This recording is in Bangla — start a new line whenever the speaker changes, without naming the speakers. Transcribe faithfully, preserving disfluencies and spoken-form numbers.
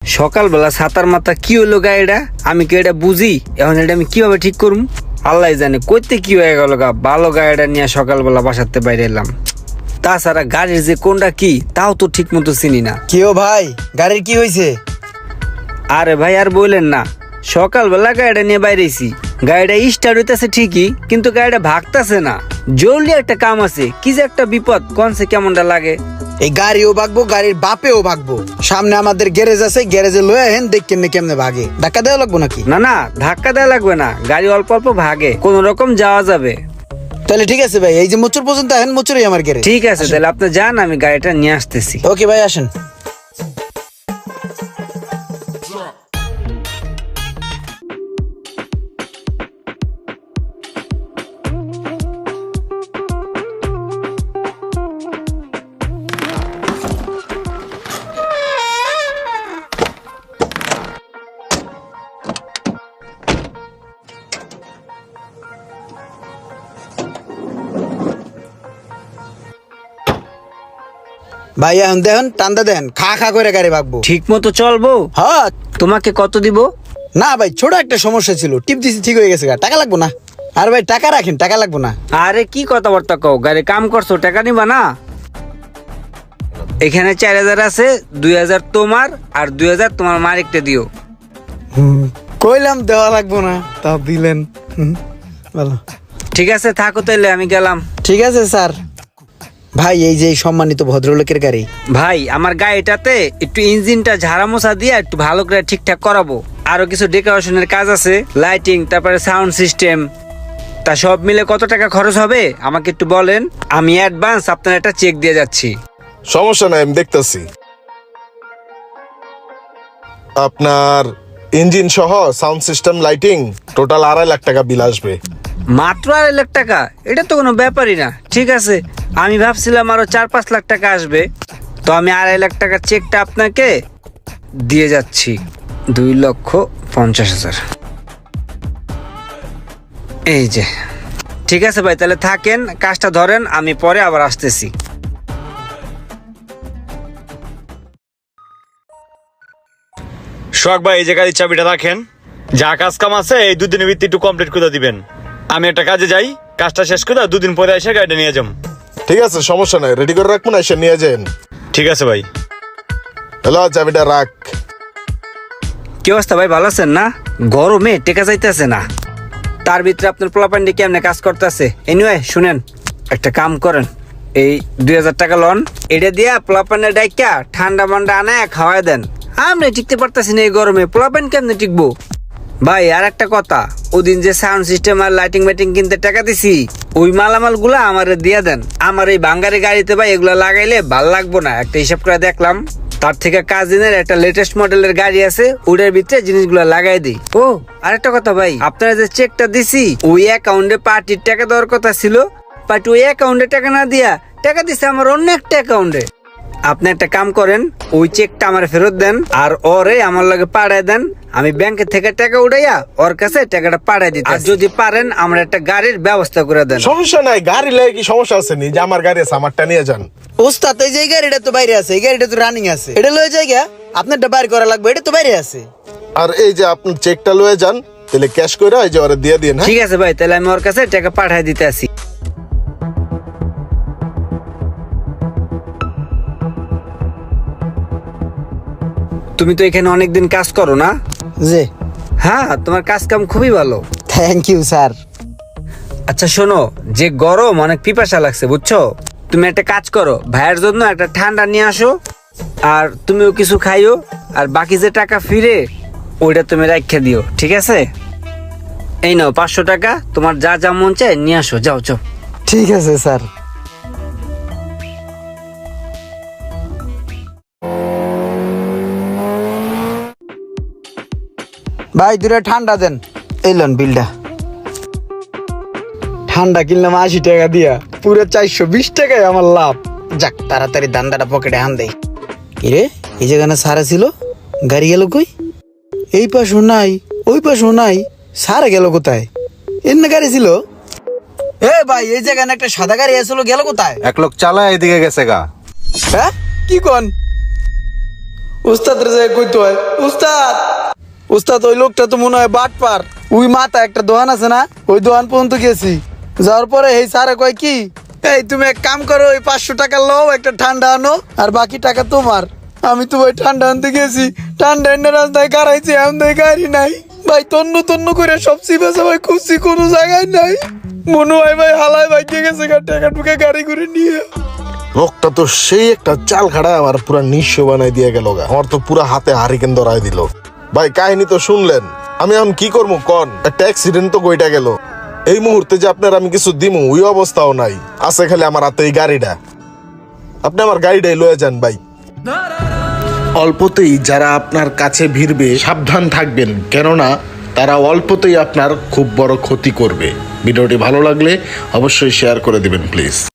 সকালবেলা ছাতার মাথা কি হলো গাড়িটা, আমি কি এটা বুঝি? এখন এটা আমি কিভাবে ঠিক করবো আল্লাহ জানে। কইতে কি হয়ে গেল গা, ভালো গাড়িটা নিয়ে সকালবেলা বাসাতে বাইরে এলাম। তাছাড়া গাড়ির যে কোনটা কি তাও তো ঠিক মতো চিনি না।
কিও ভাই, গাড়ির কি হয়েছে?
আরে ভাই আর বললেন না, সকালবেলা গাড়িটা নিয়ে বাইরেছি, গাড়িটা স্টার্ট হইতেছে ঠিকই কিন্তু গাড়িটা ভাগতেছে না। জরুরি একটা কাম আছে, কি যে একটা বিপদ, কোনছে কেমনটা লাগে।
এই গাড়িও ভাগবো, গাড়ির বাপেও ভাগবো। সামনে আমাদের গ্যারেজ আছে, গ্যারেজে লয়ে আহেন, দেখ কেমনে কেমনে ভাগে। ধাক্কা দেওয়া লাগবো নাকি?
না না, ধাক্কা দেওয়া লাগবে না, গাড়ি অল্প অল্প ভাগে, কোন রকম যাওয়া যাবে।
তাহলে ঠিক আছে ভাই, এই যে মোচুর পর্যন্ত আহেন, মোচুরই আমার গ্যারেজ।
ঠিক আছে, তাহলে আপনি যান, আমি গাড়িটা নিয়ে আসতেছি।
ওকে ভাই, আসেন। ভাই এখন দেখেন, টান্দা দেন, খা খা করে গাড়ি ভাগবো।
ঠিক মতো চলবো?
হ্যাঁ।
তোমাকে কত দিব?
না ভাই, ছোট একটা সমস্যা ছিল, টিপ দিছি, ঠিক হয়ে গেছে, টাকা লাগবো না। আর ভাই টাকা রাখেন, টাকা লাগবো না।
আরে কি কথাবার্তা কও, গাড়ি কাম করছো, টাকা নিবা না? এখানে চার হাজার আছে, দুই হাজার তোমার আর দুই হাজার তোমার মালিকটা দিও।
কইলাম দেওয়া লাগবো না, তা দিলেন। হুম, ভালো।
ঠিক আছে, থাকো তাইলে, আমি গেলাম।
ঠিক আছে স্যার। ভাই এই যে এই সম্মানিত ভদ্রলোকের গাড়ি।
ভাই আমার গাড়িটাতে একটু ইঞ্জিনটা ঝাড়া মোছা দিয়ে একটু ভালো করে ঠিকঠাক করাবো, আরো কিছু ডেকোরেশনের কাজ আছে, লাইটিং, তারপরে সাউন্ড সিস্টেম। তা সব মিলে কত টাকা খরচ হবে আমাকে একটু বলেন, আমি অ্যাডভান্স আপনার একটা চেক দিয়ে যাচ্ছি।
সমস্যা নাই, আমি দেখতেছি। আপনার ইঞ্জিন সহ সাউন্ড সিস্টেম, লাইটিং টোটাল আড়াই লাখ টাকা বিল আসবে।
মাত্র আড়াই লাখ টাকা? এটা তো কোনো ব্যাপারই না। ঠিক আছে, আমি ভাবছিলাম আরো চার পাঁচ লাখ টাকা আসবে। তো আমি আড়াই লাখ টাকার চেকটা আপনাকে দিয়ে যাচ্ছি, দুই লক্ষ পঞ্চাশ হাজার। এই যে। ঠিক আছে ভাই, তাহলে থাকেন, কাজটা ধরেন, আমি পরে আবার আসতেছি।
শখ ভাই, এই যে গাড়ির চাবিটা রাখেন, যা কাজ কাম আছে এই দুদিনের ভিত্তি একটু কমপ্লিট করে দিবেন। আমি একটা কাজে যাই, কাজটা শেষ করে দুদিন পরে এসে গাড়িটা নিয়ে যাম।
ঠিক আছে, সমস্যা নাই, রেডি করে রাখবো না, এসে নিয়ে যান।
ঠিক আছে ভাই।
হ্যালো, চাবিটা রাখ।
কি অবস্থা ভাই, ভালো আছেন না? গরমে টেকা যাইতেছে না, তার ভিতরে আপনার পোলাপান্ডি কেমনে কাজ করতেছে। এনিওয়ে শুনেন, একটা কাম করেন, এই দুই হাজার টাকা লন, এটা দিয়া পোলাপান্ডে ডাইকা ঠান্ডা মান্ডা আনায় খাওয়াই দেন। আমরা টিকতে পারতেছি না এই গরমে, পোলাপান কেমনে টিকবো? ভাই আর একটা কথা, ওদিন যে সাউন্ড সিস্টেম আর লাইটিং মাইটিং কিনতে টাকা দিছি, ওই মালামাল গুলা আমারে দিয়ে দেন। আমার এই বাঙ্গারি গাড়িতে ভাই এগুলা লাগাইলে ভাল লাগবো না। একটা হিসাব করে দেখলাম, তার থেকে কাজিনের একটা লেটেস্ট মডেলের গাড়ি আছে, ওটার ভিতরে জিনিসগুলো লাগাই দিই। ও আরেকটা কথা ভাই, আপনারা যে চেকটা দিছি ওই অ্যাকাউন্টে পার্টির টাকা দেওয়ার কথা ছিল, পার্টি ওই অ্যাকাউন্টে টাকা না দিয়া টাকা দিছে আমার অন্য একটা অ্যাকাউন্টে। আপনি একটা কাম করেন, ওই চেকটা আমার ফেরত দেন আর ওরে আমার লগে পাঠায় দেন, আমি ব্যাংকের থেকে টাকা উঠাইয়া ওর কাছে টাকাটা পাঠাই দিতে। আর যদি পারেন আমরা একটা গাড়ির ব্যবস্থা করে দেন।
সমস্যা নাই, গাড়ি লাগে কি সমস্যা আছে নি? যে আমার গাড়ি আছে, আমারটা নিয়ে যান।
ওস্তাদ এই যে এই গাড়িটা তো বাইরে আছে, এই গাড়িটা তো রানিং আছে, এটা লয়ে যাই গা, আপনারটা বাইর করা লাগবে, এটা তো বাইরে আছে।
আর এই যে আপনি চেকটা লয়ে যান, তাহলে ক্যাশ করে এই যে ওরে দিয়ে দিন। হ্যাঁ,
ঠিক আছে ভাই, তাহলে আমি ওর কাছে টাকা পাঠাই দিতে আসি। তুমি তো এখানে অনেকদিন কাজ করো না?
জি।
হ্যাঁ, তোমার কাজ কাম খুবই ভালো।
Thank you sir.
আচ্ছা শোনো, যে গরম অনেক পিপাসা লাগছে বুঝছো, তুমি একটা কাজ করো, ভাইয়ের জন্য একটা ঠান্ডা নিয়ে আসো, আর তুমিও কিছু খাইও, আর বাকি যে টাকা ফিরে ওইটা তুমি রাখা দিও, ঠিক আছে? এই নাও পাঁচশো টাকা, তোমার যা যা মন চায় নিয়ে আসো, যাও যাও।
ঠিক আছে স্যার। ভাই দুটা ঠান্ডা দেন, এলেন বিলটা। ঠান্ডা কিনলাম আশি টাকা দিয়া, পুরো চারশো বিশ টাকায় আমার লাভ। যাক, তাড়াতাড়ি দান্দাটা পকেটে হান দেয়। কিরে, এই যেখানে সারা ছিল, গাড়ি গেল কই? এই পাশও নাই, ওই পাশও নাই, সারা গেল কোথায়? এর না গাড়ি ছিল। এ ভাই, এই জায়গায় একটা সাদা গাড়ি আসলো, গেল কোথায়?
এক লোক চালায় এদিকে গেছে গা।
হ্যাঁ, কি কোন? ও উস্তাদের যায় কইতে হয় উস্তাদ উস্তাদ ওই লোকটা তো মনে হয় বাটপার ওই মাথা একটা দোকান আছে না ওই দোকান পর্যন্ত গেছি যাওয়ার পরে এই স্যারে কয় কি এই তুমি এক কাম করো ওই পাঁচশো টাকা লও একটা ঠান্ডা আনো আর বাকি টাকা তোমার আমি তো ওই ঠান্ডা আনতে গেছি ঠান্ডা এনে রাস্তায় গাড়াইছি এমন গাড়ি নাই ভাই তন্ন তন্ন করে সব চিপেছে ভাই খুঁজছি কোনো জায়গায় নাই মনে হয় ভাই হালায় ভাই কে গেছে টাকা টুকে গাড়ি করে নিয়ে
লোকটা তো সেই একটা চাল খাড়া আমার পুরা নিঃস্ব বানাই দিয়ে গেল গা আমার তো পুরা হাতে হারিকেন ধরাই দিল ভাই কাহিনী তো শুনলেন আমি এখন কি করবো কন একটা অ্যাক্সিডেন্ট তো গইটা গেল এই মুহূর্তে যে আপনার আমি কিছু দিমু ওই অবস্থাও নাই আছে খালি আমার হাতে এই গাড়িটা আপনি আমার গাড়িটাই লয়ে যান ভাই
অল্পতেই যারা আপনার কাছে ভিড়বে সাবধান থাকবেন, কেননা তারা অল্পতেই আপনার খুব বড় ক্ষতি করবে। ভিডিওটি ভালো লাগলে অবশ্যই শেয়ার করে দিবেন প্লিজ।